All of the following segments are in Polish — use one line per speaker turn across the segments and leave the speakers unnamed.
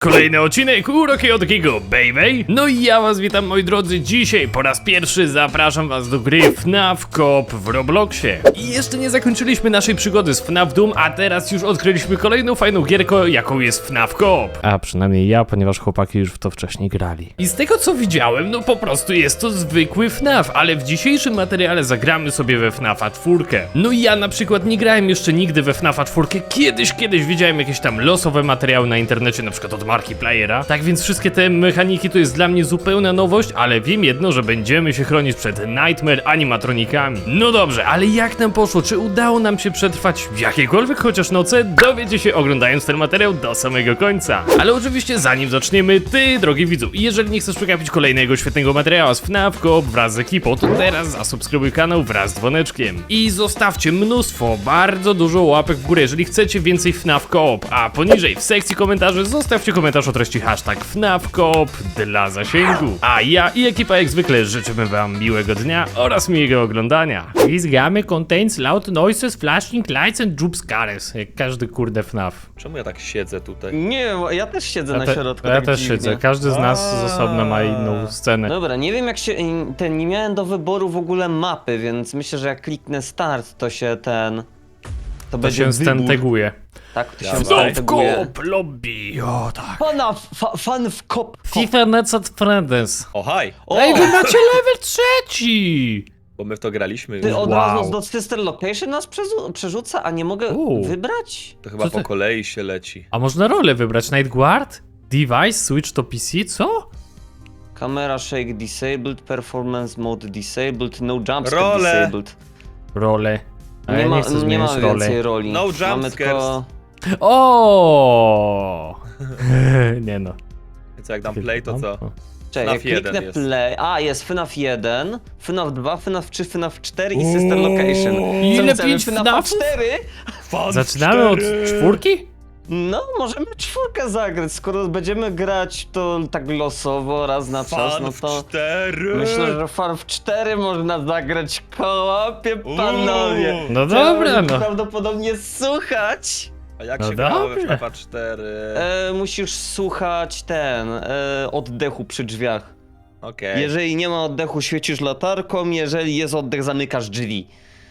Kolejny odcinek Uroki od Gigo, baby! No i ja was witam, moi drodzy. Dzisiaj po raz pierwszy zapraszam was do gry FNAF Coop w Robloxie. I jeszcze nie zakończyliśmy naszej przygody z FNAF Doom, a teraz już odkryliśmy kolejną fajną gierkę, jaką jest FNAF Coop. A przynajmniej ja, ponieważ chłopaki już w to wcześniej grali. I z tego co widziałem, no po prostu jest to zwykły FNAF, ale w dzisiejszym materiale zagramy sobie we FNAFa 4. No i ja na przykład nie grałem jeszcze nigdy we FNAFa 4. Kiedyś widziałem jakieś tam losowe materiały na internecie, na przykład od marki Playera. Tak więc wszystkie te mechaniki to jest dla mnie zupełna nowość, ale wiem jedno, że będziemy się chronić przed Nightmare animatronikami. No dobrze, ale jak nam poszło? Czy udało nam się przetrwać w jakiekolwiek chociaż noce? Dowiecie się oglądając ten materiał do samego końca. Ale oczywiście zanim zaczniemy, ty drogi widzu, jeżeli nie chcesz przegapić kolejnego świetnego materiału z FNAF Coop wraz z ekipą, to teraz zasubskrybuj kanał wraz z dzwoneczkiem. I zostawcie mnóstwo, bardzo dużo łapek w górę, jeżeli chcecie więcej FNAF Coop, a poniżej w sekcji komentarzy zostawcie komentarz o treści hashtag FNAF Coop dla zasięgu. A ja i ekipa jak zwykle życzymy wam miłego dnia oraz miłego oglądania. This game contains loud noises, flashing lights and jump scares. Jak każdy kurde FNAF.
Czemu ja tak siedzę tutaj?
Nie, ja też siedzę na środku.
Ja
tak
też
dziwnie.
siedzę, każdy z nas z osobna ma inną scenę.
Dobra, nie wiem jak się. Nie miałem do wyboru w ogóle mapy, więc myślę, że jak kliknę start, to się ten. To będzie
się
wybór.
stenteguje.
Tak, to się
FNAF
stenteguje.
Coop lobby, o tak.
Fan w kop.
FIFA Nets at Friends.
O, haj!
Ej, wy macie level 3!
Bo my w to graliśmy
Ty
już.
od
Wow.
razu do Sister Location nas przerzuca, a nie mogę wybrać?
To chyba
Co
po
ty-
kolei się leci.
A można rolę wybrać? Night Guard? Device? Switch to PC? Co?
Camera shake disabled, performance mode disabled, no jumpscare
Role.
disabled.
Rolę. A
Nie
ja
ma,
nie chcę
nie
zmieniać
ma
rolę.
więcej roli.
No
Mamy
jumpscares.
tylko...
O! Nie no.
Więc jak dam play, to co?
Czekaj, jak
FNAF 1
kliknę
jest.
play... A, jest FNAF 1, FNAF 2, FNAF 3, FNAF 4 i Sister Location.
Ile
Co, chcemy
5
FNAF
FNAFów?
4?
Zaczynamy od 4?
No, możemy czwórkę zagrać. Skoro będziemy grać to tak losowo, raz na czas, no to...
4!
Myślę, że FNAF 4 można zagrać kołapie, panowie.
No
Trzeba
dobra,
będzie
no.
prawdopodobnie słuchać.
A jak
No
się grało we
dobra.
FNAFa 4?
Musisz słuchać oddechu przy drzwiach.
Okej.
Jeżeli nie ma oddechu, świecisz latarką, jeżeli jest oddech, zamykasz drzwi.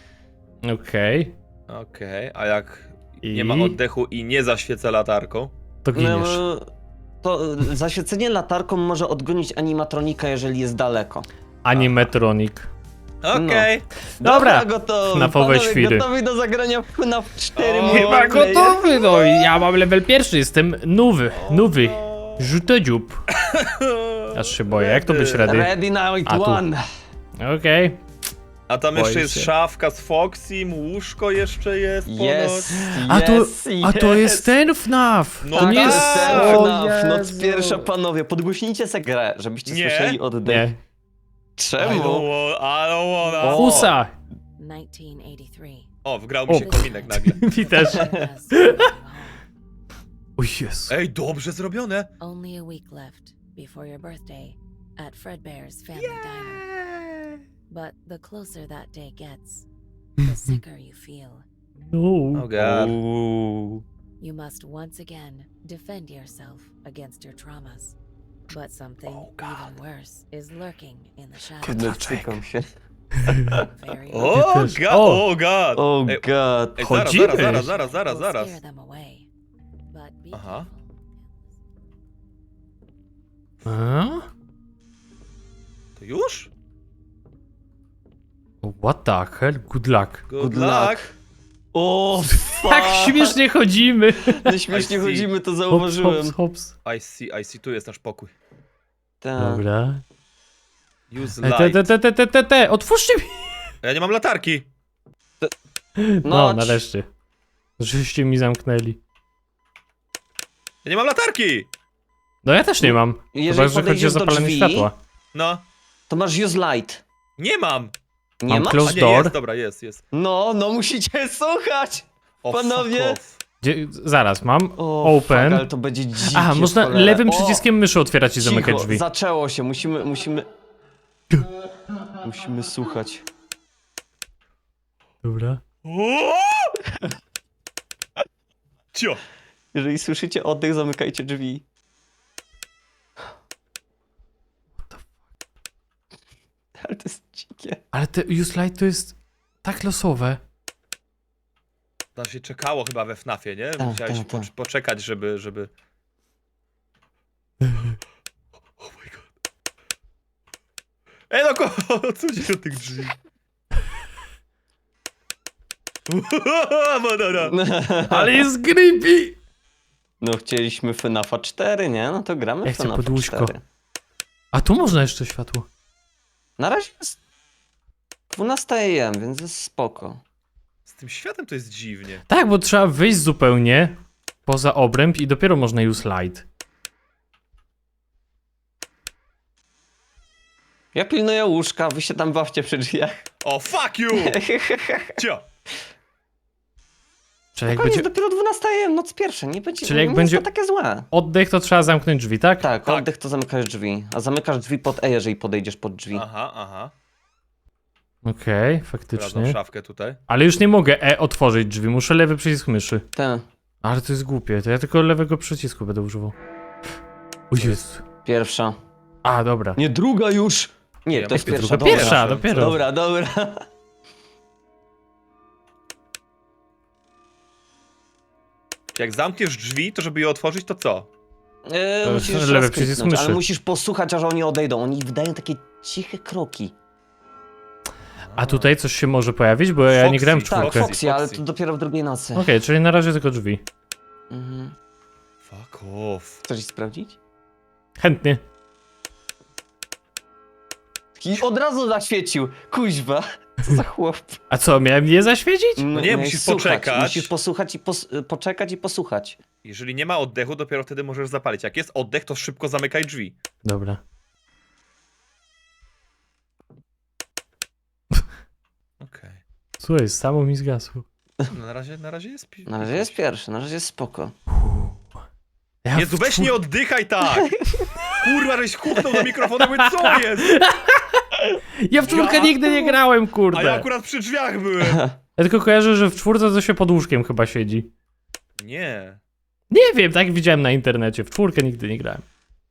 Okej.
Okej, a jak
I?
nie ma oddechu i nie zaświecę latarką?
To giniesz.
To zaświecenie latarką może odgonić animatronika, jeżeli jest daleko.
Animatronic.
Okej.
Dobra.
Gotowi.
FNAFowe
Panowie,
świry.
gotowi do zagrania w FNAF 4
O,
Chyba
multiplayer?
gotowy, no i ja mam level 1, jestem nowy. Rzuto dziób. Aż się boję, jak to być ready?
Ready now it
A, tu.
one.
Okej.
A tam jeszcze
Boję
jest
się.
szafka z Foxym, łóżko jeszcze jest ponoć.
Yes,
A to jest ten FNAF!
No
To
tak,
nie jest...
tak.
O
FNAF, noc
Jezu.
pierwsza, panowie, podgłośnijcie se grę, żebyście
Nie.
słyszeli oddech.
Nie.
I
Czemu?
don't wanna.
O.
Husa!
1983.
O, wgrał mi się kominek nagle.
Mi też.
Has been home.
O Jezu.
Ej, dobrze zrobione.
Only a week left before your birthday at Fredbear's Family Diner. But the closer that day gets, the sicker you feel.
Oh
No.
god.
You must once again defend yourself against your traumas. But something even worse is lurking in the shadows.
Cykam się.
Very
O
też.
god,
O.
o god.
Oh
Ej,
god.
ej,
Chodzimy.
zaraz.
will scare them away. But be
Aha.
careful.
A?
To już?
What the hell? Good luck.
Good
luck.
luck.
O,
Tak śmiesznie chodzimy.
No śmiesznie
I see.
chodzimy, to
Hops,
zauważyłem.
hops.
I see, tu jest nasz pokój.
Tak.
Dobra.
Use light.
Otwórzcie mi!
Ja nie mam latarki.
No, nareszcie. Żeście mi zamknęli.
Ja nie mam latarki.
No ja też nie mam.
Jeżeli
Chyba, że chodzi o
podejdziesz do
zapalenie
drzwi,
światła.
No,
to masz use light.
nie mam.
Nie
Mam
masz?
close
A nie,
door.
jest, dobra, jest.
No, musicie słuchać.
O,
Panowie.
fuck off.
Zaraz, mam
O,
open.
Fuck, ale to będzie dzikie.
Aha, można
w cholerę.
lewym
O,
przyciskiem myszy otwierać i zamykać
cicho,
drzwi.
zaczęło się, musimy słuchać.
Dobra.
O! Cio.
Jeżeli słyszycie oddech, zamykajcie drzwi. Ale to jest dzikie.
Ale te Use Light to jest tak losowe.
Tam się czekało chyba we FNAFie, nie?
Tak,
Musiałeś
tak, tak.
poczekać, żeby... Oh my god. Ej no co dzieje od tych drzwi? Madara.
Ale jest creepy!
No chcieliśmy FNAFa 4, nie? No to gramy
Ja
w
chcę
FNAFa
pod łóżko.
4.
A tu można jeszcze światło.
Na razie jest 12 AM, więc jest spoko.
Z tym światem to jest dziwnie.
Tak, bo trzeba wyjść zupełnie poza obręb i dopiero można Use Light.
Ja pilnuję łóżka, wy się tam bawcie przy drzwiach.
O, fuck you! Cio!
Czyli jak
Koniec,
będzie
dopiero 12 AM, noc pierwsza, nie będzie,
Czyli jak
nie
będzie-
jest to takie złe.
oddech, to trzeba zamknąć drzwi, tak?
Tak,
Tak.
oddech to zamykasz drzwi, a zamykasz drzwi pod E, jeżeli podejdziesz pod drzwi.
Aha.
Okej,
Sprawdzam
faktycznie.
szafkę tutaj.
Ale już nie mogę otworzyć drzwi, muszę lewy przycisk myszy.
Ten,
Ale to jest głupie, to ja tylko lewego przycisku będę używał. O Jezu.
pierwsza.
A, dobra.
Nie, druga już! Nie,
Ja
to jest
mówię,
pierwsza,
druga,
dobra.
Pierwsza, dopiero.
Dobra.
Jak zamkniesz drzwi, to żeby je otworzyć, to co?
Musisz
lewy
raz
przycisk
kliknąć, ale
myszy.
musisz posłuchać, aż oni odejdą. Oni wydają takie ciche kroki.
A tutaj coś się może pojawić, bo ja nie
Foxy,
grałem w
tak,
czwórkę.
Tak,
Okej,
Foxy, ale to dopiero w drugiej nocy.
czyli na razie tylko drzwi.
Mhm.
Fuck off.
Chcesz ich sprawdzić?
Chętnie.
I od razu zaświecił. Kuźwa. Co za chłop.
A co, miałem je zaświecić?
No nie,
miałeś
musisz
słuchać.
poczekać.
Musisz posłuchać i poczekać i posłuchać.
Jeżeli nie ma oddechu, dopiero wtedy możesz zapalić. Jak jest oddech, to szybko zamykaj drzwi.
Dobra.
Okej.
Słuchaj, samo mi zgasło.
No na razie jest...
Na razie jest pierwszy, na razie jest spoko.
Ja
Jezu,
w
weź
czwór-
nie oddychaj tak! Kurwa, żeś huknął do mikrofonu, mówię, co jest?
Ja w czwórkę
Ja?
nigdy nie grałem,
A ja
kurde.
akurat przy drzwiach byłem.
Ja tylko kojarzę, że w czwórce to się pod łóżkiem chyba siedzi.
Nie.
Nie wiem, tak widziałem na internecie. W czwórkę nigdy nie grałem.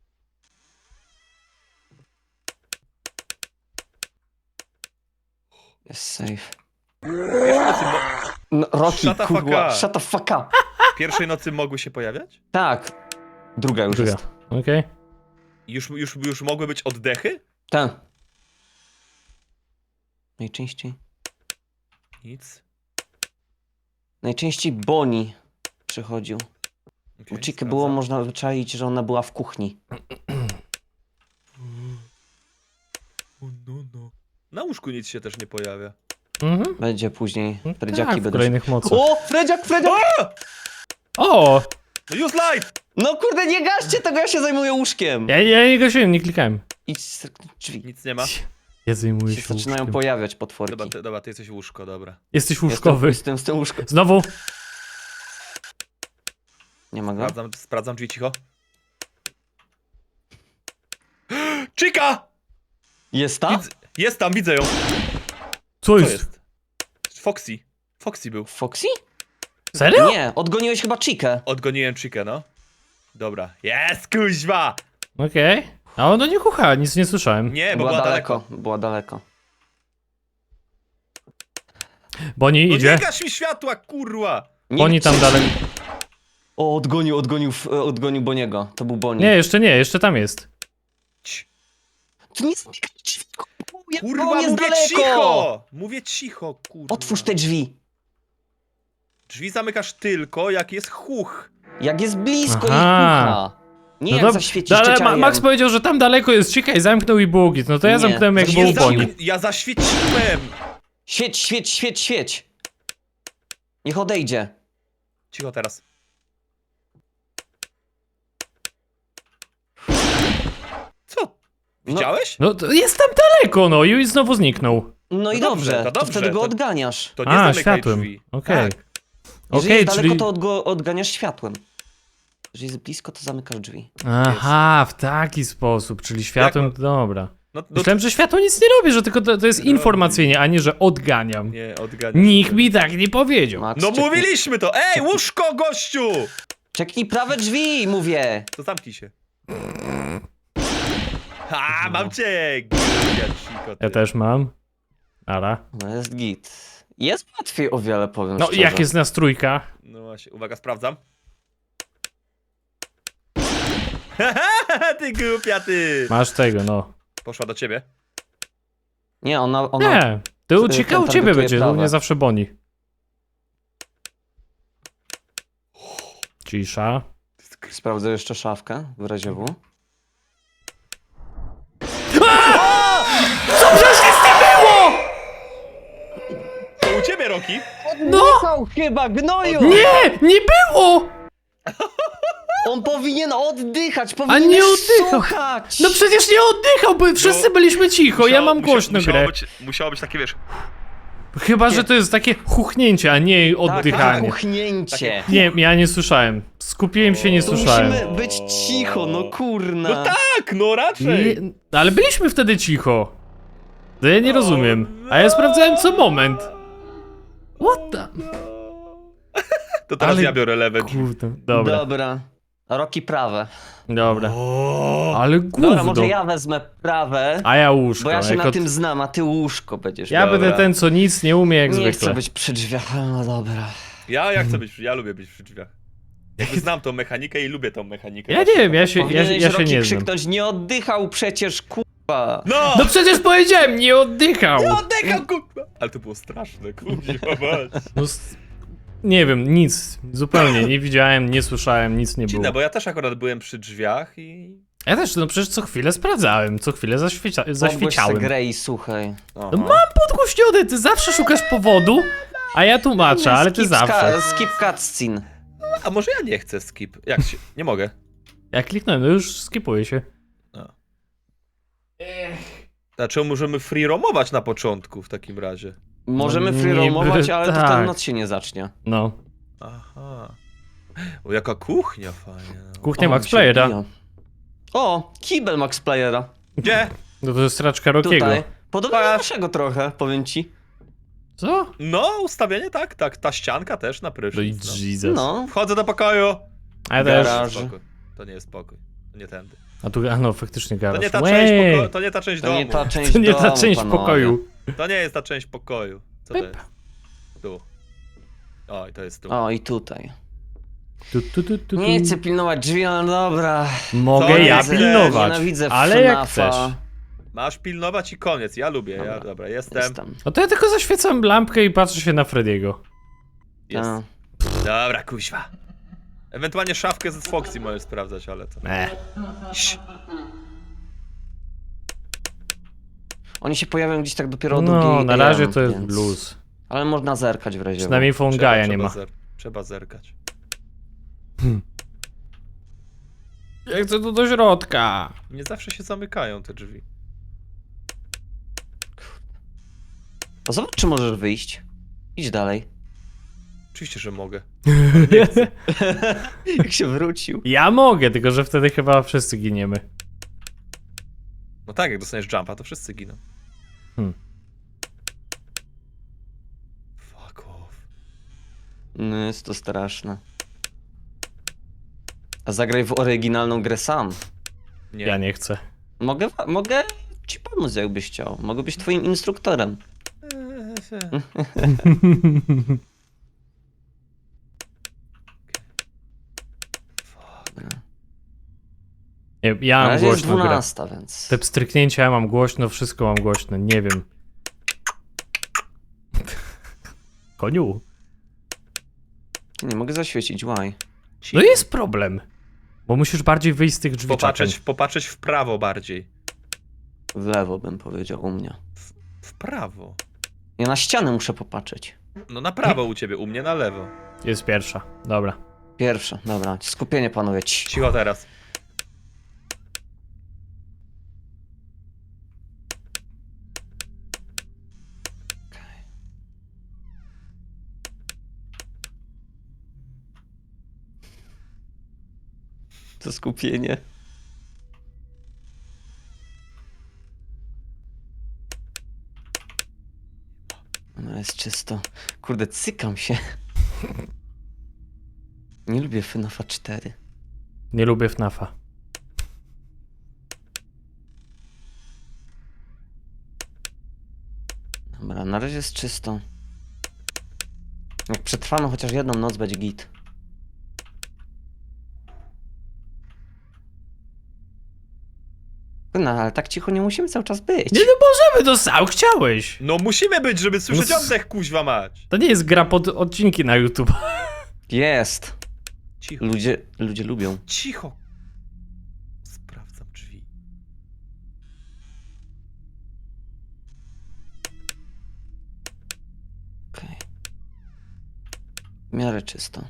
Jest safe.
Pierwszej nocy,
No, Rocky,
Shut the fuck
kurwa,
up.
shut the fuck up.
pierwszej nocy mogły się pojawiać?
Tak. Druga już
Druga.
jest.
Okej.
Już mogły być oddechy?
Ten. Najczęściej.
Nic.
Najczęściej Bonnie przychodził.
Okay,
U Chicky było można wyczaić, że ona była w kuchni.
No. Na łóżku nic się też nie pojawia.
Mhm.
Będzie później.
Tak,
Fredziaki
w
będą.
kolejnych mocach.
O! Fredziak!
O!
No use light!
No kurde, nie gaście tego, ja się zajmuję łóżkiem.
Ja nie gasiłem, nie klikałem.
Idź stryknąć drzwi.
Nic nie ma.
Ja zajmuję
Się
się
zaczynają
łóżkiem.
pojawiać potworki.
Dobra, ty jesteś łóżko, dobra.
Jesteś łóżkowy.
Jestem z tym łóżkiem.
Znowu.
Nie ma go?
Sprawdzam drzwi cicho. Chica!
Jest ta?
Jest tam, widzę ją.
Co
Co
jest?
jest? Foxy. Foxy był.
Foxy?
Serio?
Nie, odgoniłeś chyba Chikę.
Odgoniłem Chica, no. Dobra. Jest, kuźwa!
Okej. A ona nie kucha, nic nie słyszałem.
Nie, bo była daleko.
Była daleko.
Boni
No
idzie.
nie gaś mi światła, kurwa!
Boni tam dalej.
O, odgonił Boniego. To był Boni.
Nie, jeszcze tam jest.
Cii.
To nie jest...
Kurwa,
Boni jest
mówię
daleko!
cicho! Mówię cicho, kurwa.
Otwórz te drzwi.
Drzwi zamykasz tylko, jak jest huch.
Jak jest blisko i
Aha.
kucha. Nie
No
jak
dobrze,
zaświecisz
ale
cieciajem.
Max powiedział, że tam daleko jest Chica i zamknął i było git. No to ja
Nie.
zamknąłem jak
To
był
nie
Boni.
Ja zaświeciłem!
Świeć. Niech odejdzie.
Cicho teraz. Co? Widziałeś?
No to jest tam daleko, no i znowu zniknął.
No i
No dobrze,
dobrze,
to
to
dobrze,
wtedy go
to-
odganiasz.
To nie
A,
zamykaj
światłem.
drzwi.
Okej.
Tak.
Jeżeli
Okej,
jest daleko,
czyli...
to go odganiasz światłem. Jeżeli jest blisko, to zamykasz drzwi.
Aha, w taki sposób, czyli światłem, dobra.
No,
Myślałem, że światło nic nie robi, że tylko to jest
Robi.
informacyjnie, a nie, że odganiam.
nie, odganiasz.
Nikt mi tak nie powiedział.
Max,
No mówiliśmy to! Ej, łóżko, gościu!
Czeknij prawe drzwi, mówię.
To zamknij się. Ha, mam cię! Gwiazdciko, ty.
Ja też mam. Ara.
No jest git. Jest łatwiej o wiele, powiem
No
szczerze.
jak jest nas trójka?
No właśnie, uwaga, sprawdzam. Ty głupia, ty!
Masz tego, no.
Poszła do ciebie.
Nie, ona...
Nie, ty ucieka, u
ten
ciebie
targetuje
będzie, u
prawe.
mnie zawsze boni. Cisza.
Sprawdzę jeszcze szafkę, w razie W.
Co przecież nic nie było!
To u ciebie, Roki!
Oddychał chyba, gnoju!
Nie, nie było!
On powinien oddychać, powinien
nie oddychał.
słuchać!
No przecież nie oddychał, bo wszyscy byliśmy cicho, ja mam głośno grę.
Musiało być takie, wiesz...
Chyba, że to jest takie chuchnięcie, a nie
Tak,
oddychanie.
kuchnięcie.
Nie, ja nie słyszałem. Skupiłem się, nie
To
słyszałem.
musimy być cicho, no kurna.
No tak, no raczej!
Nie, ale byliśmy wtedy cicho. To ja nie rozumiem. A ja sprawdzałem co moment. What the...
To teraz
Ale-
ja biorę lewe drzwi.
Kurde, dobra,
Dobra. Roki prawe.
dobra.
O,
Ale
Dobra,
gówno.
może ja wezmę prawe,
A ja łóżko.
bo ja się
jako-
na tym znam, a ty łóżko będziesz
Ja
miał.
będę ten, co nic nie umie jak
Nie
zwykle.
chcę być przy drzwiach, ale no dobra.
ja chcę być, ja lubię być przy drzwiach. Jakby znam tą mechanikę i lubię tą mechanikę.
Ja nie wiem, ja się
Powinieneś
nie
Roki
znam.
krzyknąć, nie oddychał przecież, kurwa.
No!
No przecież powiedziałem, nie oddychał.
No oddycham, kurwa! Ale to było straszne, kurwa, mać.
No, nie wiem, nic. Zupełnie nie widziałem, nie słyszałem, nic nie było.
Dziwne, bo ja też akurat byłem przy drzwiach i...
Ja też, no przecież co chwilę sprawdzałem, co chwilę
Podgłoś
zaświeciałem.
se grę i słuchaj.
Aha.
No mam podgłośnione, ty zawsze szukasz powodu, a ja tłumaczę, ale ty zawsze.
Skip cutscene.
A może ja nie chcę skip? Jak się... Nie mogę.
Jak kliknąłem, no już skipuję się.
Znaczy możemy free roamować na początku w takim razie.
Możemy
No
free roamować,
niby
ale to
tak.
ten noc się nie zacznie.
No.
Aha. O, jaka kuchnia fajna. No.
Kuchnia
O,
Max
się
Playera.
odbija. O, kibel Max Playera.
Gdzie?
No to jest straczka Rockiego.
Tutaj. Podobno do naszego trochę, powiem ci.
Co?
No, ustawienie tak, tak. Ta ścianka też na
No i
prysznic. No.
Jesus.
No.
Wchodzę do pokoju.
A ja też.
Garaż.
Spokój. To nie jest pokój. To nie tędy.
A tu, a no faktycznie
To
garaż.
nie ta
Łej!
część pokoju. To nie ta część
To
domu.
nie ta część
To nie ta
domu,
część
panowie.
pokoju.
To nie jest ta część pokoju. Co to
Pyp.
jest? Tu. O, i to jest tu.
O, i tutaj.
Tu.
Nie chcę pilnować drzwi, ale dobra.
Mogę
Co
ja
jest?
pilnować,
Nienawidzę
ale jak
FNAF-a.
chcesz.
Masz pilnować i koniec. Ja lubię. Ja,
Dobra.
dobra, jestem.
Jestem.
No to ja tylko zaświecam lampkę i patrzę się na Frediego.
Jest.
A.
Dobra, kuźwa. Ewentualnie szafkę z Foxy możesz sprawdzać, ale to... Ś.
Oni się pojawią gdzieś tak dopiero o
No,
drugiej
na razie
AM,
to jest
więc-
blues.
Ale można zerkać w razie.
Przynajmniej Fongaja nie ma.
Trzeba zerkać.
Ja chcę tu do środka.
Nie zawsze się zamykają te drzwi.
To zobacz, czy możesz wyjść. Idź dalej.
Oczywiście, że mogę.
Jak się wrócił.
Ja mogę, tylko że wtedy chyba wszyscy giniemy.
No tak, jak dostaniesz jumpa, to wszyscy giną. Fuck off.
No jest to straszne. A zagraj w oryginalną grę sam.
Nie.
Ja nie chcę.
Mogę ci pomóc, jakbyś chciał. Mogę być twoim instruktorem.
Nie, ja
Na
mam
razie jest
głośno grę.
12, więc...
Te pstryknięcia ja mam głośno, wszystko mam głośno, nie wiem. Koniu.
Nie mogę zaświecić, why?
No jest problem. Bo musisz bardziej wyjść z tych drzwi.
Popatrzeć w prawo bardziej.
W lewo bym powiedział u mnie.
W prawo.
Ja na ścianę muszę popatrzeć.
No na prawo u ciebie, u mnie na lewo.
Jest pierwsza, dobra.
Pierwsze, dobra. Skupienie, panowie.
Cicho teraz.
To skupienie. No jest czysto. Kurde, cykam się. Nie lubię FNAF 4.
Nie lubię FNAF-a.
Dobra, na razie jest czysto. Jak przetrwamy chociaż jedną noc, będzie git. No, ale tak cicho nie musimy cały czas być.
Nie, no możemy, to sam chciałeś.
No musimy być, żeby słyszeć
No
oddech, kuźwa mać.
To nie jest gra pod odcinki na YouTube.
Jest.
Cicho,
Ludzie lubią.
cicho. Sprawdzam drzwi.
Okej. W miarę czysto.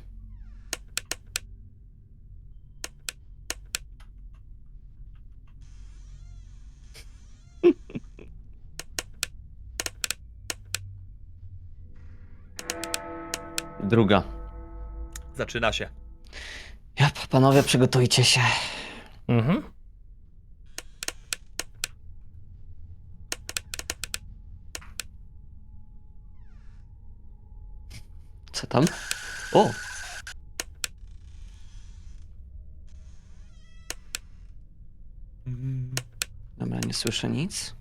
Druga.
Zaczyna się.
Panowie, przygotujcie się.
Mhm.
Co tam? O! Dobra, nie słyszę nic.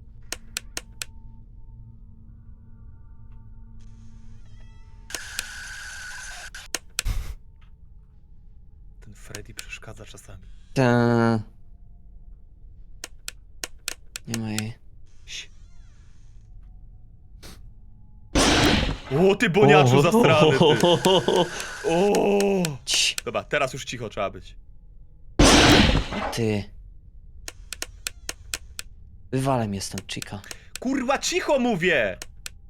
Ten Freddy przeszkadza czasami.
Nie ma jej.
Ś. O, ty boniaczu zastrany, ty. O.
Cii,
Dobra, teraz już cicho trzeba być.
ty. Wywalę mnie stąd, chica.
Kurwa, cicho mówię!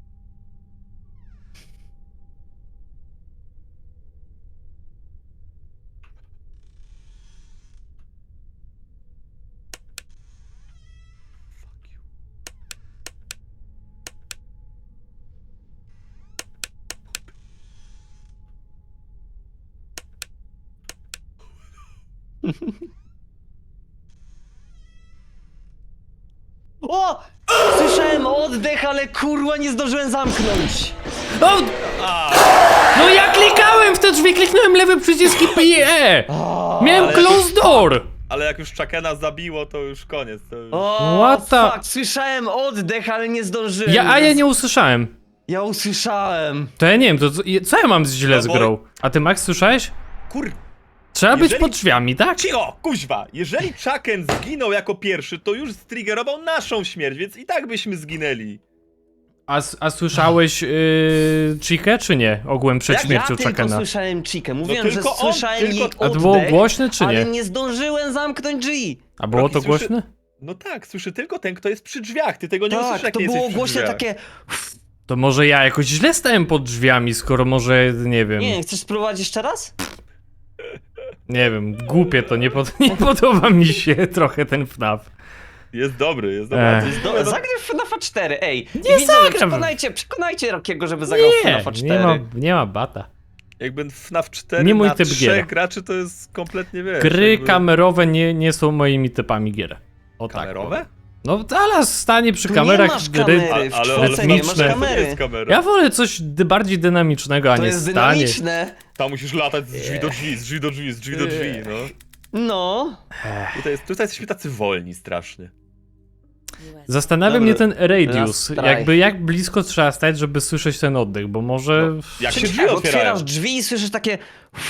Fuck you.
O! Słyszałem oddech, ale kurwa nie zdążyłem zamknąć.
O! No ja klikałem w te drzwi, kliknąłem lewy przycisk i PE! Miałem
ale-
close door!
Ale jak już Chakena zabiło, to już koniec. To już...
O,
What the-
fuck, słyszałem oddech, ale nie zdążyłem.
Ja nie usłyszałem.
Ja usłyszałem.
To ja nie wiem, to co ja mam źle
No
z
bo-
grą? A ty, Max, słyszałeś?
Kur...
Trzeba być
Jeżeli-
pod drzwiami, tak?
Cicho, kuźwa! Jeżeli Chaken zginął jako pierwszy, to już striggerował naszą śmierć, więc i tak byśmy zginęli.
A słyszałeś Chikę, czy nie? Ogółem przed
Ja
śmiercią
tylko
Chakena.
słyszałem Chikę. Mówiłem,
No
że
tylko on,
słyszałem
tylko-
jej
A
oddech,
A to było głośne, czy
ale
nie?
nie zdążyłem zamknąć drzwi.
A było
Rocky
to
słyszy-
głośne?
No tak, słyszy tylko ten, kto jest przy drzwiach. Ty tego nie usłyszysz,
Tak,
jak
to
nie
było
jesteś przy
głośne
drzwiach.
takie...
To może ja jakoś źle stałem pod drzwiami, skoro może, nie wiem,
Nie, chcesz spróbować jeszcze raz?
nie wiem, głupie to, nie podoba mi się trochę ten FNAF.
Jest dobry, jest dobry.
Ech.
To jest
No, zagraj w FNAFa 4, ej.
Nie
Widzowie,
zagram.
Przekonajcie Rockiego, żeby zagrał w
Nie,
FNAFa 4.
nie ma bata.
Jakby FNAF 4
Nie mój
na
typ
3
gier.
graczy to jest kompletnie, wiesz...
Gry
jakby...
kamerowe nie są moimi typami gier. O tak.
Kamerowe?
No teraz stanie przy
Tu
kamerach
nie masz
gry.
kamery, w
ale
czwórce nie masz
rytmiczne.
To
kamery.
jest kamera.
Ja wolę coś bardziej dynamicznego, a
To
nie
jest
stanie.
dynamiczne.
Tam musisz latać z drzwi do drzwi, z drzwi do drzwi, z drzwi do drzwi, no.
No.
Tutaj jesteśmy tacy wolni strasznie.
US
Zastanawia
Dobra.
mnie ten radius.
Last try.
Jakby jak blisko trzeba stać, żeby słyszeć ten oddech, bo może.
Jak się
Czyli
drzwi
tak,
otwierają.
otwierasz drzwi i słyszysz takie...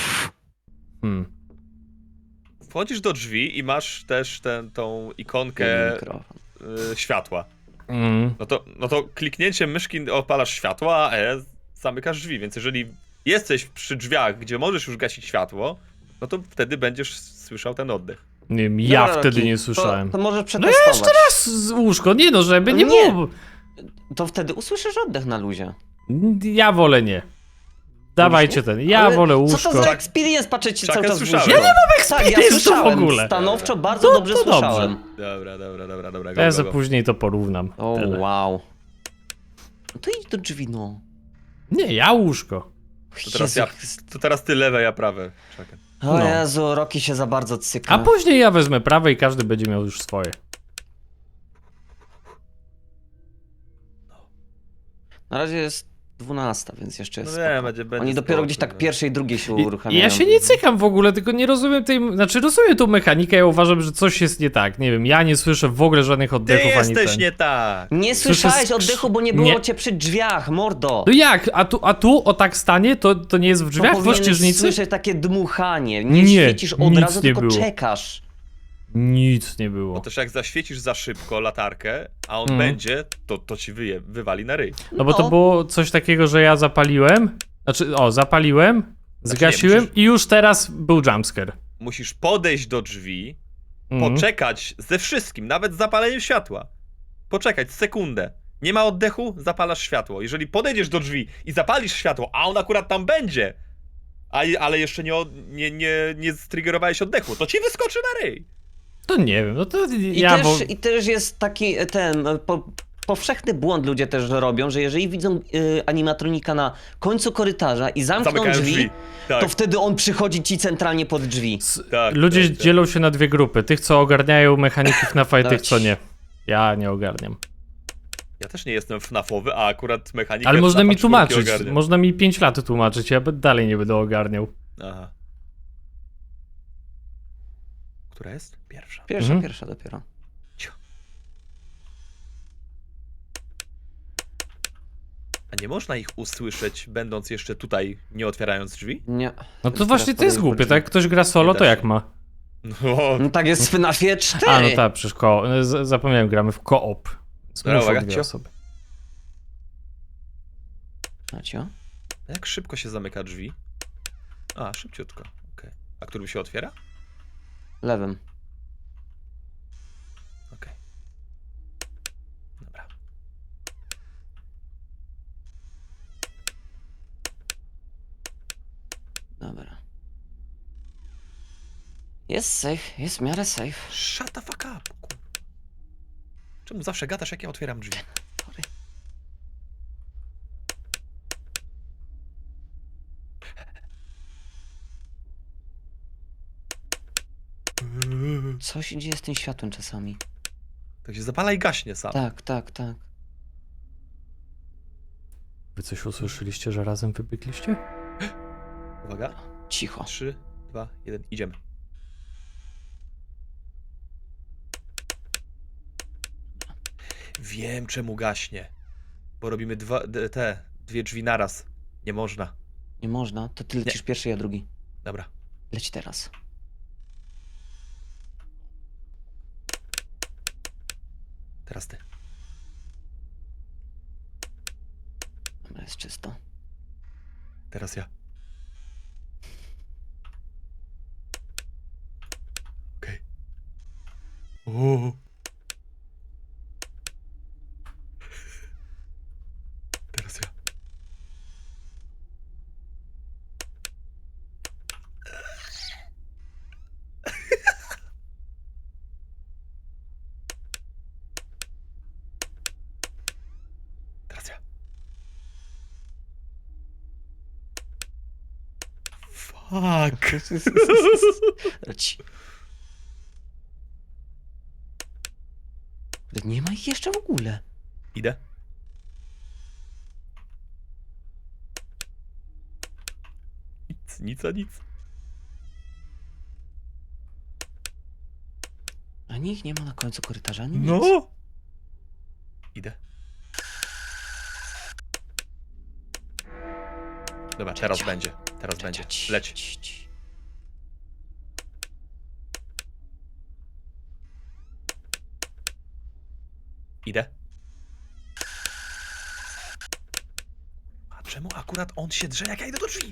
Hmm.
Wchodzisz do drzwi i masz też tą ikonkę
Mikrofon.
światła.
Mm.
No to kliknięciem myszki opalasz światło, a zamykasz drzwi, więc jeżeli jesteś przy drzwiach, gdzie możesz już gasić światło, no to wtedy będziesz słyszał ten oddech.
Nie wiem, ja
Dobra,
wtedy
Rocky,
nie słyszałem.
To możesz
No
przetestować.
ja jeszcze raz z łóżko, nie no, żeby nie
Nie.
było.
To wtedy usłyszysz oddech na luzie.
Ja wolę nie. Dawajcie ten, ja
Ale
wolę
Co
łóżko.
to za experience patrzeć
Chucken
cały czas w
słyszałem.
łóżko?
Ja nie
mam
experience tu w
słyszałem.
ogóle.
Stanowczo bardzo
To-
dobrze
to dobrze.
słyszałem.
Dobra,
Ja
go,
za
go.
później to porównam.
O,
Tyle.
wow. No to idź do drzwi, no.
Nie, ja łóżko.
To teraz ty lewe, ja prawe. Czekaj.
O
No.
Jezu, Rocky się za bardzo cyka.
A później ja wezmę prawe i każdy będzie miał już swoje.
Na razie jest 12, więc jeszcze jest
No nie,
spoko.
będzie
Oni dopiero
spoko,
gdzieś tak
no.
pierwszej, drugiej się
I
uruchamiają.
ja się nie cykam w ogóle, tylko nie rozumiem tej... Znaczy rozumiem tą mechanikę, ja uważam, że coś jest nie tak. Nie wiem, ja nie słyszę w ogóle żadnych
Ty
oddechów ani
jesteś
ten.
nie tak!
Nie
Słyszę
słyszałeś oddechu, bo nie było
nie.
cię przy drzwiach, mordo!
No jak? A tu o tak stanie? To nie jest w drzwiach w
Powinieneś
ościeżnicy?
słyszeć takie dmuchanie. Nie,
Nie,
świecisz od
nic
razu,
nie
tylko
było.
czekasz.
Nic nie
Bo
było.
też jak zaświecisz za szybko latarkę, a on
Mhm.
będzie, to ci wywali na ryj.
No bo to było coś takiego, że ja zapaliłem. Znaczy, zapaliłem, zgasiłem
musisz-
i już teraz był jumpscare.
Musisz podejść do drzwi,
Mhm.
poczekać ze wszystkim, nawet z zapaleniem światła. Poczekać sekundę. Nie ma oddechu, zapalasz światło. Jeżeli podejdziesz do drzwi i zapalisz światło, a on akurat tam będzie, ale jeszcze nie striggerowałeś oddechu, to ci wyskoczy na ryj.
To nie wiem, no to
I,
ja...
też, I też jest taki powszechny błąd ludzie też robią, że jeżeli widzą animatronika na końcu korytarza i zamkną
Zamykają
drzwi,
Tak,
to wtedy on przychodzi ci centralnie pod drzwi.
tak,
Ludzie
tak.
dzielą się na dwie grupy. Tych, co ogarniają mechaniki FNAF-a i tych, co nie. Ja nie ogarniam.
Ja też nie jestem FNAF-owy, a akurat mechanika
Ale można mi
FNAF-a
tłumaczyć.
czwórki ogarniam.
Można mi 5 lat tłumaczyć, ja dalej nie będę ogarniał.
Aha. Która jest? Pierwsza.
Pierwsza dopiero.
A nie można ich usłyszeć, będąc jeszcze tutaj, nie otwierając drzwi?
Nie.
No to właśnie to jest głupie, tak? Jak ktoś gra solo,
Nie
to
da
jak
się.
ma?
No,
No tak jest w FNAFie 4.
A, no tak, przecież zapomniałem, gramy w co-op. Więc
Dobra,
muszą
uwaga,
dwie
cio.
osoby.
Macio?
jak szybko się zamyka drzwi? A, szybciutko. Okej. A którym się otwiera?
Lewym.
Okej. Dobra.
Dobra. Jest safe, jest w miarę safe.
Shut the fuck up. Czemu zawsze gadasz, jak ja otwieram drzwi?
Sorry. Co się dzieje z tym światłem czasami?
Tak się zapala i gaśnie sam.
Tak, tak, tak.
Wy coś usłyszeliście, że razem wybiegliście?
Uwaga.
Cicho.
3, 2, 1, idziemy. Wiem, czemu gaśnie. Bo robimy dwie drzwi naraz. Nie można.
Nie można, to ty lecisz pierwszy, ja drugi.
Dobra.
Leć teraz.
Teraz ty.
Dobra, jest czysto.
Teraz ja. Okej. O. Teraz ja. Teraz ja. Fuck.
Leci. Nie ma ich jeszcze w ogóle.
Idę. Nic, a nic.
Ani ich nie ma na końcu korytarza, ani nic.
No! Idę. Dobra, teraz będzie. Teraz będzie. Leć. Idę. A czemu akurat on się drze, jak ja idę do drzwi?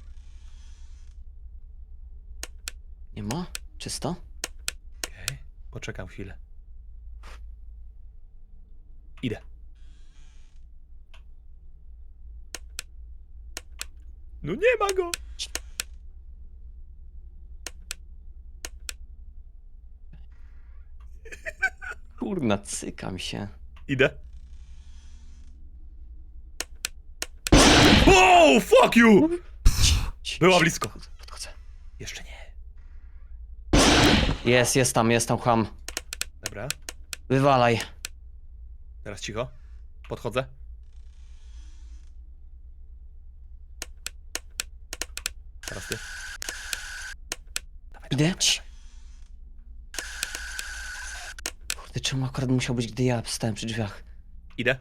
Nie ma? Czysto?
Okej, poczekam chwilę. Idę. No nie ma go!
Kurna, cykam się.
Idę. Wow, fuck you! Była blisko.
Podchodzę.
Jeszcze nie.
Jest tam, chłam.
Dobra,
Wywalaj.
teraz cicho. Podchodzę. Teraz ty.
Idę. Kurde, czemu akurat musiał być, gdy ja stałem przy drzwiach?
Idę.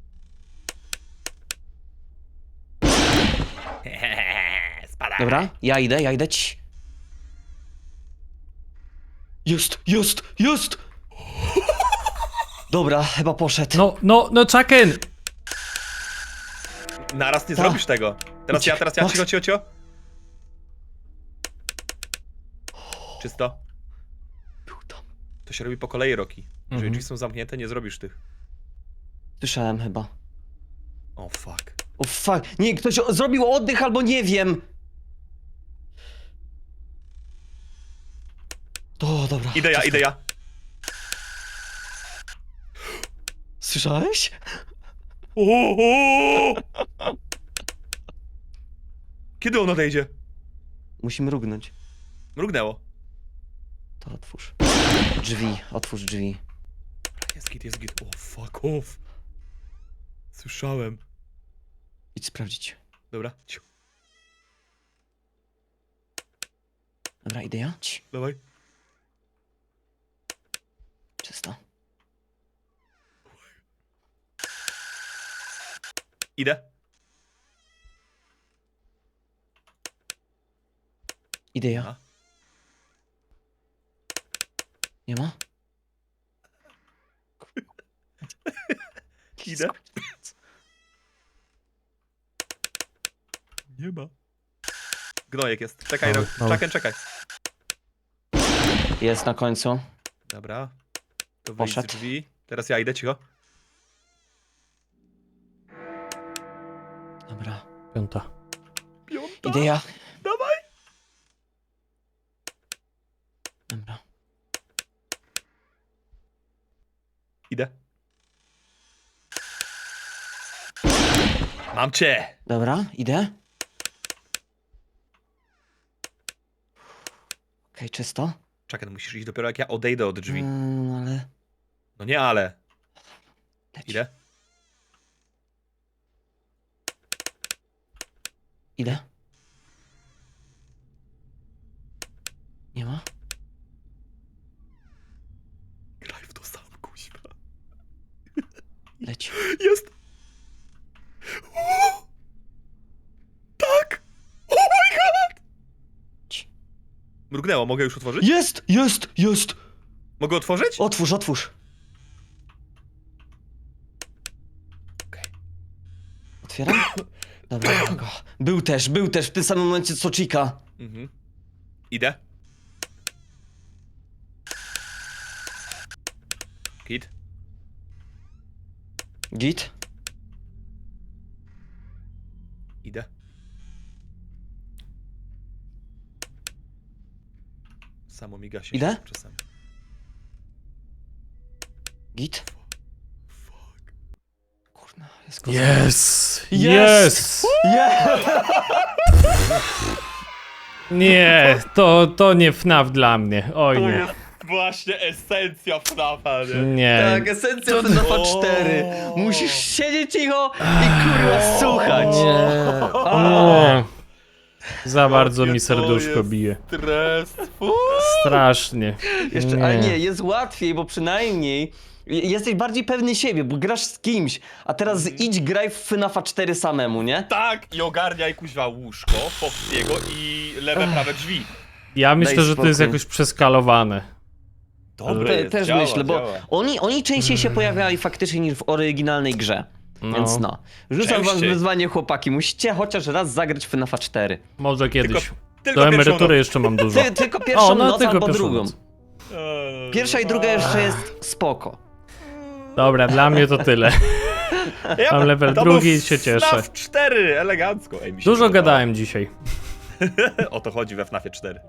Spadaj.
Dobra, ja idę. Jest! Dobra, chyba poszedł.
No, Chucken!
Naraz nie
Ta.
zrobisz tego. Teraz ja,
Chodź.
cicho. Czysto.
Był tam.
To się robi po kolei, Roki. Jeżeli
Mhm.
drzwi są zamknięte, nie zrobisz tych.
Słyszałem chyba.
O fuck.
O fuck, nie, ktoś zrobił oddech albo nie wiem. O, dobra.
Idę ja.
Słyszałeś?
Kiedy on odejdzie?
Musimy rugnąć.
Mrugnęło.
To otwórz. Otwórz drzwi.
Jest git. O fuck off. Słyszałem.
Idź sprawdzić.
Dobra, ciu.
Dobra, idę ja?
Dawaj.
Czysto.
Idę.
Idę ja.
A?
Nie ma?
Idę. Nie ma. Gnojek jest. Czekaj,
Dobra.
czekaj.
Jest na końcu.
Dobra. To wyjdź z
Poszedł.
drzwi. Teraz ja idę, cicho.
Dobra.
5.
Piąta.
Idę ja.
Dawaj.
Dobra.
Idę. Mam cię.
Dobra, idę. Okej, czysto.
Czekaj, no musisz iść dopiero jak ja odejdę od drzwi.
Ale...
No nie, ale.
Leć.
Idę.
Idę. Nie ma?
Graj w to sam, kuźwa.
Leć.
Jest. Tak. Oh my god.
Ci.
Mrugnęło, mogę już otworzyć?
Jest!
Mogę otworzyć?
Otwórz.
Okej.
Otwieram? Dobra, go. Był też w tym samym momencie co Chica.
Mhm. Idę. Kit.
Git?
Idę. Samo mi gasi
Idę?
się czasami.
Git?
Fuck.
Kurna, jest
Yes!
Jest!
Nie, to nie FNAF dla mnie. Oj nie.
Właśnie esencja FNAF-a, nie?
Nie.
Tak, esencja FNAF-a 4. Musisz siedzieć cicho i kurwa słuchać.
Nie. Za bardzo
Jakie
mi
to
serduszko
jest
bije.
Stres.
Strasznie.
Jeszcze, ale nie, jest łatwiej, bo przynajmniej jesteś bardziej pewny siebie, bo grasz z kimś, a teraz idź graj w FNAF-a 4 samemu, nie?
Tak, i ogarniaj kuźwa łóżko, Foxiego i lewe, prawe drzwi.
Ja myślę,
Daj
że to jest
spokój.
jakoś przeskalowane.
Dobre jest,
Też
działa,
myślę, bo
działa.
oni częściej się pojawiali faktycznie niż w oryginalnej grze. Więc no. Rzucam wam
Częściej.
wyzwanie, chłopaki. Musicie chociaż raz zagrać w FNAF-a 4.
Może kiedyś.
Tylko
Do
pierwszą
emerytury
noc.
jeszcze mam dużo.
Tylko pierwszą noc
tylko
albo
pierwszą
drugą.
noc.
Pierwsza i druga jeszcze jest spoko.
Dobra, dla mnie to tyle. Mam level
to
drugi
był
i się cieszę.
FNAF 4, elegancko. Ej, mi się
Dużo
podobało.
gadałem dzisiaj.
O to chodzi we FNAFie 4.